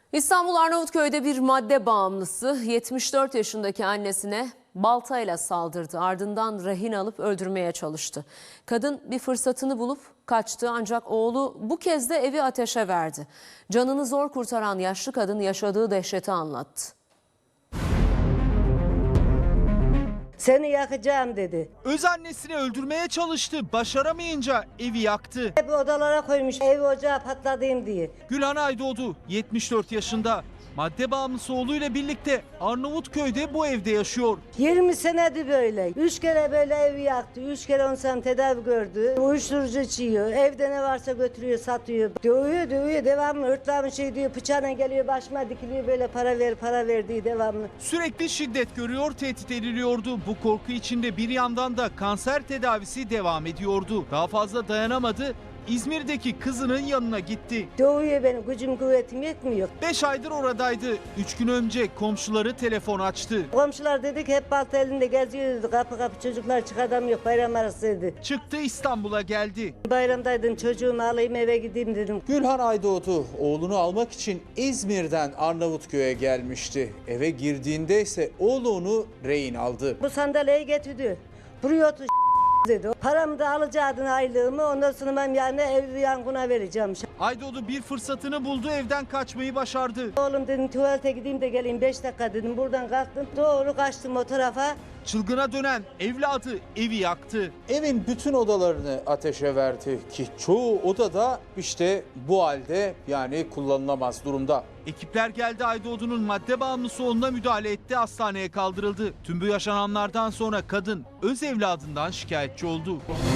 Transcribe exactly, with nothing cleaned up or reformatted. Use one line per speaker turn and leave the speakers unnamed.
İstanbul Arnavutköy'de bir madde bağımlısı yetmiş dört yaşındaki annesine baltayla saldırdı. Ardından rehin alıp öldürmeye çalıştı. Kadın bir fırsatını bulup kaçtı ancak oğlu bu kez de evi ateşe verdi. Canını zor kurtaran yaşlı kadın yaşadığı dehşeti anlattı.
Seni yakacağım dedi.
Öz annesini öldürmeye çalıştı. Başaramayınca evi yaktı.
Hep odalara koymuş evi ocağı patladayım diye.
Gülhan Aydoğdu yetmiş dört yaşında. Madde bağımlısı oğluyla birlikte Arnavutköy'de bu evde yaşıyor.
yirmi senedir böyle. Üç kere böyle evi yaktı. Üç kere on sen tedavi gördü. Uyuşturucu içiyor. Evde ne varsa götürüyor, satıyor. Dövüyor, dövüyor. Devamlı hırtlamış şey diyor. Bıçağına geliyor, başıma dikiliyor. Böyle para ver, para ver diye devamlı.
Sürekli şiddet görüyor, tehdit ediliyordu. Bu korku içinde bir yandan da kanser tedavisi devam ediyordu. Daha fazla dayanamadı. İzmir'deki kızının yanına gitti.
Dövüyor beni. Gücüm kuvvetim yetmiyor.
beş aydır oradaydı. üç gün önce komşuları telefon açtı.
Komşular dedik hep balta elinde geziyor dedi. Kapı kapı çocuklar çıkadamıyor. Bayram arası dedi.
Çıktı İstanbul'a geldi.
Bayramdaydım çocuğumu alayım eve gideyim dedim.
Gülhan Aydoğdu oğlunu almak için İzmir'den Arnavutköy'e gelmişti. Eve girdiğinde ise oğlu onu rehin aldı.
Bu sandalyeyi getirdi. Buraya otur dedi. Paramı da alacaktın aylığımı ondan sonra ben yani evi yangına vereceğim.
Aydoğdu bir fırsatını buldu, evden kaçmayı başardı.
Oğlum dedim tuvalete gideyim de geleyim beş dakika dedim. Buradan kalktım doğru kaçtım o tarafa.
Çılgına dönen evladı evi yaktı.
Evin bütün odalarını ateşe verdi ki çoğu odada işte bu halde, yani kullanılamaz durumda.
Ekipler geldi, Aydoğdu'nun madde bağımlısı oğluna müdahale etti, hastaneye kaldırıldı. Tüm bu yaşananlardan sonra kadın öz evladından şikayetçi oldu.